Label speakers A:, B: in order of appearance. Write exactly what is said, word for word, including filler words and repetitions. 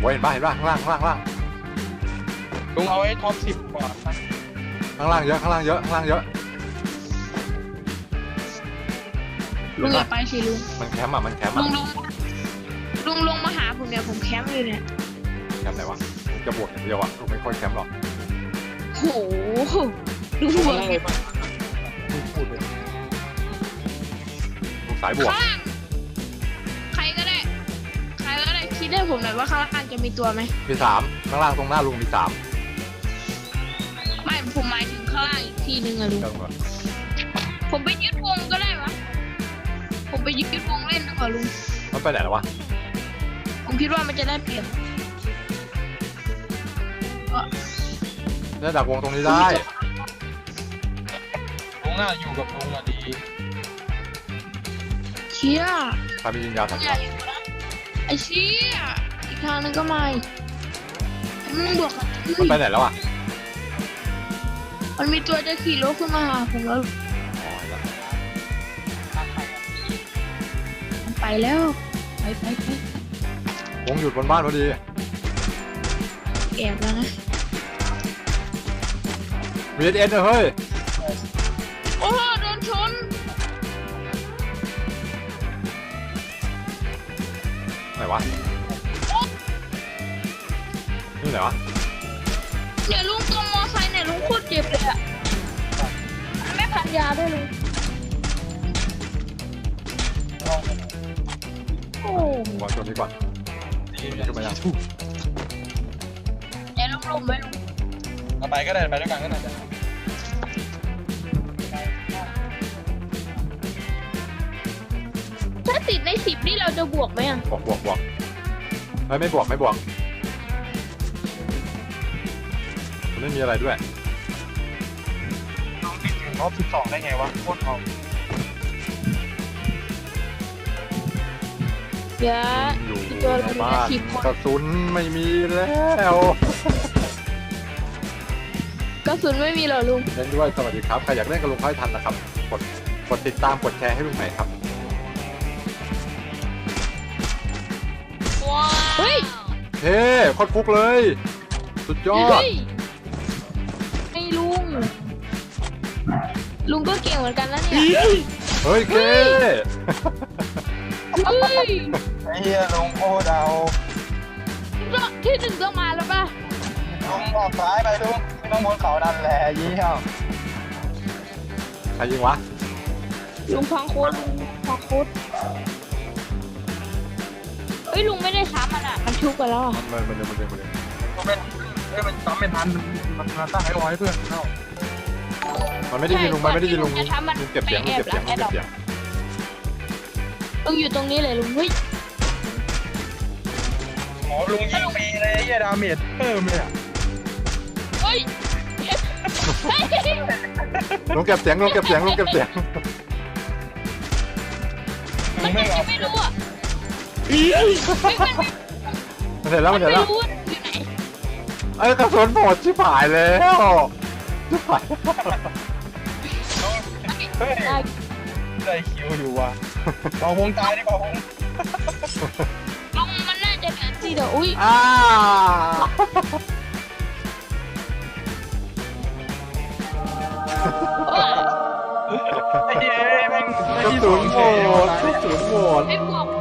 A: เห็นป่ะเห็นป่ะข้างล่างข้างล่างข้างล่าง
B: ลุงเอาไอ้ท็อปสิบกว่านะ
A: ข้างล่างเยอะข้างล่างเยอะข้างล่างเยอะ
C: ลุงอย่าไปสิลุง
A: มันแคมป์อ่ะมันแคมป์
C: ลุ
A: อ่ะ
C: งลุงลุงลงมาหาผมเนี่ยผมแคมป์อยู่เนี่ย
A: แคมป์ไหนวะจะบวกอย่างเดียวอ่ะกูไม่ค่อยแคมป์หรอก
C: โหดูหัว
B: เลยป่ะพูดเลย
A: ลูกสายบวก
C: ข้างล่างใครก็ได้ใครก็ได้คิดให้ผมหน่อยว่าข้างล่างจะมีตัวไหม
A: มีสามข้างล่างตรงหน้าลุงมีสาม
C: ไม่ผมหมายถึงข้างล่างอีกทีนึงอะลุง
A: เดิมก่อน
C: ผมไปยึดวงก็ได้วะผมไปยึดวงเล่นดีกว่าลุง
A: มันไปไหนแล้ววะ
C: ผมคิดว่ามันจะได้เปรียบ
A: เนี่ยดักวงตรงนี้ได้
B: ลุงน่าอยู่กับลุงอะดี
C: เชี่ย
A: ใครมียิงยาวสัก
C: อย่าอยู่นะไอ้เชี่ยอีกทางนึงก็ไม่มึงบวกกัน
A: มันไปไหนแล้วอ่ะ
C: มันมีตัวจะขี่รถขึ้นมาหาผมแล้ว
A: อ๋อเห็นแล้ว
C: มันไปแล้วไปไปไป
A: วงหยุดบนบ้านพอดี
C: แอบแล้วนะ
A: มีเอสเอ็นเฮ้ย
C: โอ้โหโดนชน
A: ไหนวะนี่ไหนวะ
C: เนี่ยลุงตัวมอไซค์เนี่ยลุงโคตรเจ็บเลยอะไม่พันยาด้วยลุงโอ้
A: วางตัวนี้ก่อน
B: ดี
A: ตัว
B: เล
A: นี้
B: ย
A: ขึ้นมายัง
C: เดี๋ยวลุงลงไปลุง
B: เอาไปก็ได้ไปด้วยกันก็ได้
C: ถ้าติดในสิบนี่เราจะบวกไหมอะ
A: บวกบวกบวกเฮ้ยไม่บวกไม่บวกมันไม่มีอะไรด้วย
B: ลุงติดถึงท็อปสิบสองได้ไงวะโคตรเอา
C: เดี๋ยว
A: อยู่
C: ตัว
A: ใน
C: เรา
A: บ้าน
C: สิบคน
A: กระสุนไม่มีแล้ว
C: กระสุนไม่มีเหรอลุง
A: เล่นด้วยสวัสดีครับใครอยากเล่นกับลุงค่อยทันนะครับกดกดติดตามกดแชร์ให้ลุงหน่อยครับ
C: เฮ้ย
A: เฮ้โคตรฟุกเลย สุดยอด
C: เฮ้ยไอ้ลุง ลุงก็เก่งเหมือนกันนะเนี่ย
A: เฮ้ยเก้
C: เฮ้ย
B: ไอ้เหี้ยลุงโคตรเอา
C: ที่หนึ่งต้องมาแล้วป่ะ
B: ลุงออกซ้ายไปลุงไม่ต้องบนเขาดันแหละยี่ห้อ
A: ใครยิงวะ
C: ลุงพังโคตรลุงพังโคตรเฮ้ยลุงไม่ได้ซ้ำมันอ่ะ มันชุบกันแล้วอ่ะ
A: มันมันมันมันมัน
B: มันเป็นเอ้ยมันซ้ำเป็นทันมันมันตั้งให้ร้อยเพื่อนเข้า
A: มันไม่ได้ยิงลุงมันไม่ได้ยิงลุง
C: ใช่ก่อนที่ลุงจะทำมัน
A: ลุงเก็บเสียงลุงเก็บเสียง
C: ไป
A: ลุง
C: แอบหลัง
A: เก็บเสียง
C: ลุงอยู่ตรงนี้เลยลุง เฮ้ย
B: หมอลุงยิงฟรีเลยไอ้เหี้ยดาเมจเพิ่มเลยอะ
C: เฮ้ย เฮ้ย
A: ลุงเก็บเสียงลุงเก็บเสียงลุงเก็บเสียง
B: ลุงไม่เอา
C: ไม่รู้อ่ะ
A: มันเสร็จแล้วมันเสร็จ
C: ไม่
A: แล้ว
C: รู้ว่าอยู่ไหน
A: ไอ้ยกระสุนหมดชิบหายแล้วชิบหาย
B: เฮ้ยได้คิวอยู่ว่ะเป่าพงตายดิเป่าพง
C: ลุงมันน่าจะเหลือที่เดียวอุ้ย
A: อ้า
B: ไอ้เหี้ยแม่ง
A: กระสุนหมดกระสุนหมด
C: ไม่บวก